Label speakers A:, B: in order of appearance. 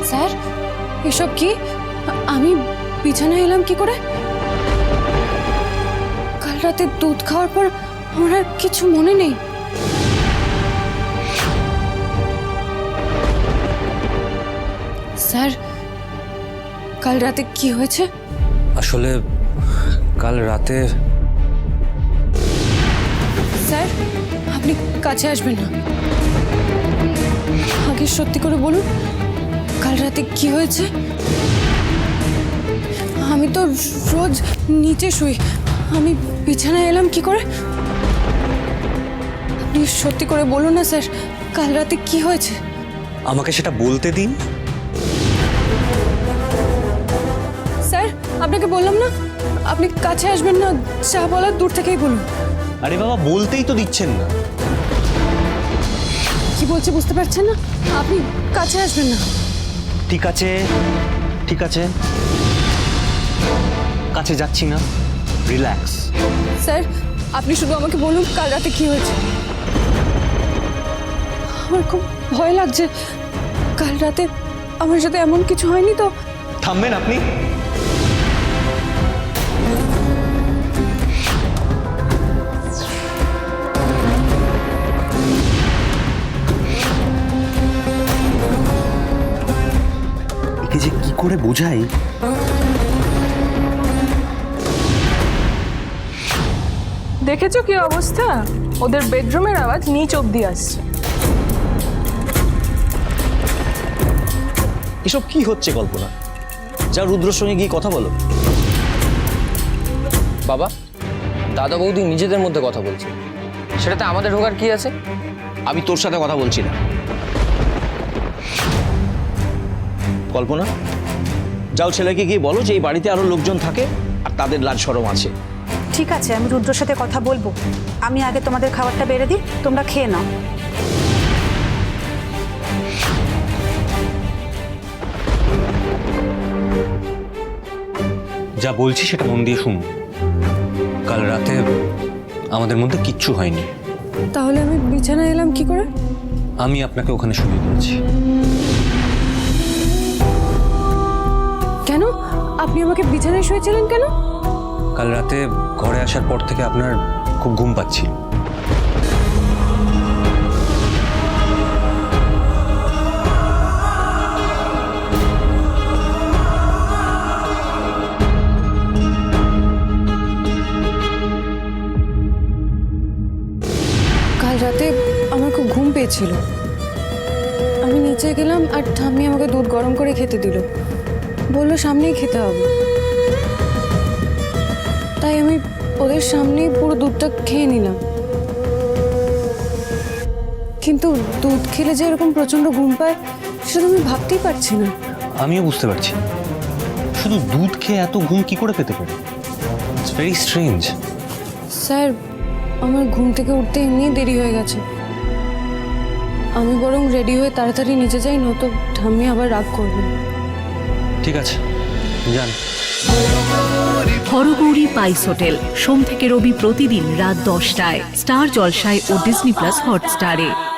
A: Sir এসব কি? আমি বিছানায় এলাম কি করে? কাল রাতে দুধ খাওয়ার পর আমার আর কিছু মনে নেই। স্যার কাল রাতে কি হয়েছে?
B: আসলে কাল রাতে
A: স্যার আপনি কাছে আসবেন না, আগে সত্যি করে বলুন কাল রাতে কি হয়েছে? আমি তো রোজ নিচে শুই, আমি বিছানায় এলাম কি করে? আপনি সত্যি করে বলুন না স্যার, কাল রাতে কি হয়েছে?
B: আমাকে সেটা বলতে দিন।
A: স্যার আপনাকে বললাম না আপনি কাছে আসবেন না, যা বলার দূর থেকেই বলুন।
B: আরে বাবা, বলতেই তো দিচ্ছেন না।
A: কি বলছে বুঝতে পারছেন না? আপনি কাছে আসবেন না।
B: ঠিক আছে ঠিক আছে, কাছে যাচ্ছি না, রিল্যাক্স।
A: স্যার আপনি শুধু আমাকে বলুন কাল রাতে কি হয়েছে। আমার খুব ভয় লাগছে, কাল রাতে আমার সাথে এমন কিছু হয়নি তো?
B: থামবেন আপনি? একে যে কি করে বোঝাই।
C: দেখেছো কি অবস্থা? ওদের বেডরুমের আওয়াজ নিচ অব্দি আসছে।
D: এসব কি হচ্ছে কল্পনা? যা রুদ্রর সঙ্গে গিয়ে কথা বলো।
E: বাবা, দাদা বৌদি নিজেদের মধ্যে কথা বলছে, সেটাতে আমাদের ঢোকার কি আছে?
D: আমি তোর সাথে কথা বলছি না। কল্পনা, যাও ছেলেকে গিয়ে বলো যে এই বাড়িতে আরো লোকজন থাকে আর তাদের লাজ শরম আছে।
F: ঠিক আছে, আমি রুদ্রর সাথে কথা বলবো। আমি আগে তোমাদের খাবারটা বেড়ে দিই, তোমরা খেয়ে নাও।
B: যা বলছি সেটা মন দিয়ে শুনুন। কাল রাতে আমাদের মধ্যে কিচ্ছু হয়নি।
A: তাহলে আমি বিছানায় এলাম কি করে?
B: আমি আপনাকে ওখানে শুয়ে দিয়েছি।
A: কেন? আপনি আমাকে বিছানায় শুয়েছিলেন কেন?
B: কাল রাতে ঘরে আসার পর থেকে আপনার খুব ঘুম পাচ্ছিল।
A: কাল রাতে আমার খুব ঘুম পেয়েছিল, আমি নিচে গেলাম আর ঠাম্মি আমাকে দুধ গরম করে খেতে দিল, বললো সামনেই খেতে হবে। তাই আমি ওদের সামনেই পুরো দুধটা খেয়ে নিলাম। কিন্তু দুধ খেলে যে এরকম প্রচন্ড ঘুম পায় সেটা আমি ভাবতেই পারছি না।
B: আমিও বুঝতে পারছি না, শুধু দুধ খেয়ে এত ঘুম কি করে পেতে পারে? It's very strange.
A: স্যার আমার ঘুম থেকে উঠতে এমনি দেরি হয়ে গেছে, আমি বরং রেডি হয়ে তাড়াতাড়ি নিচে যাই, নয়তো ঠাম্মি আবার রাগ করবে।
B: ঠিক আছে, যান।
G: হরগৌরী পাইস হোটেল, সোম থেকে রবি প্রতিদিন রাত 10টায় স্টার জলসায় ও ডিজনি প্লাস হটস্টারে।